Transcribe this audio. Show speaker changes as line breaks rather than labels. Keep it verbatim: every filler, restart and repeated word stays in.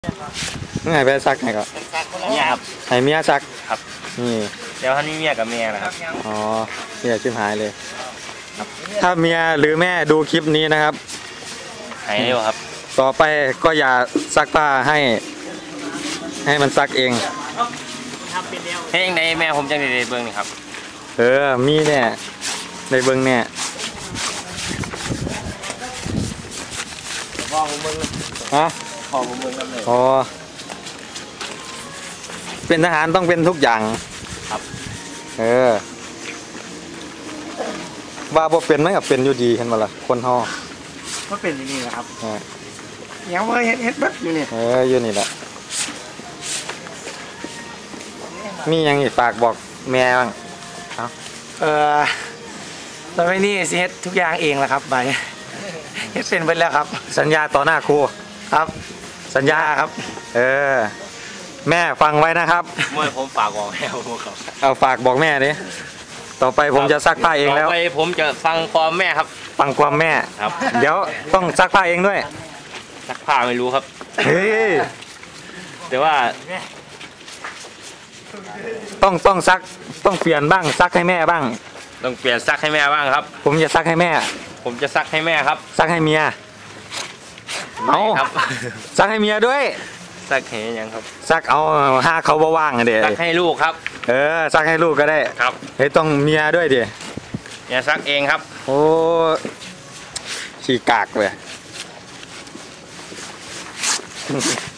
ไงไปซักไงก็
เนี่ยครับ
ให้เมียซัก
ครับ
นี่
เดี๋ยวท่านนี้เมียกับเมียนะครับ
อ๋อเมียชิมหายเลยถ้าเมียหรือแม่ดูคลิปนี้นะครับ
หายเร็วครับ
ต่อไปก็อย่าซักผ้าให้ให้มันซักเอง
เฮ้ยในแม่ผมจังในเบื้องนี่ครับ
เออมีเนี่ยในเบื้องเนี่ย
พ่อผมเบื้อง
ฮะ
พ่อผมเบื้องนั่นเลย
อ๋อเป็นทหารต้องเป็นทุกอย่าง
ครับ
เออว่าบ่เป็นไหมกับเป็นอยู่ดีเห็นมาละคนห่อ
ก็เป็นอย่างนี้แหละครับยังไม่เห็นเห็นแบบอยู่นี่
เอออยู่นี่แหละมียังอีกฝากบอกแม่บ้างเอา
เออตอนนี้สิเฮ็ดทุกอย่างเองแหละครับไปเฮ็ดเป็นไปแล้วครับ
สัญญาต่อหน้าครู
ครับ
สัญญาครับเออแม่ฟังไว้นะครับ
เมื่อผมฝากบอกแม่ผมครับ
เอาฝากบอกแม่ดิต่อไปผมจะซักผ้าเองแล้ว
ต่อไปผมจะฟังความแม่ครับ
ฟังความแม่
ครับ
เดี๋ยวต้องซักผ้าเองด้วย
ซักผ้าไม่รู้ครับ
เฮ้ย
แต่ว่า
ต้องต้องซักต้องเปลี่ยนบ้างซักให้แม่บ้าง
ต้องเปลี่ยนซักให้แม่บ้างครับ
ผมจะซักให้แม่
ผมจะซักให้แม่ครับ
ซักให้เมียเอา
ครับ
ซักให้เมียด้วย
ซักให้ยังครับ
ซักเอาห้าเขาบ่ว่างเดี๋ยว
ซักให้ลูกครับ
เออซักให้ลูกก็ได้
ครับ
เฮ้ยต้องเมียด้วยดิ
เมียซักเองครับ
โอ้ขี้กากเลย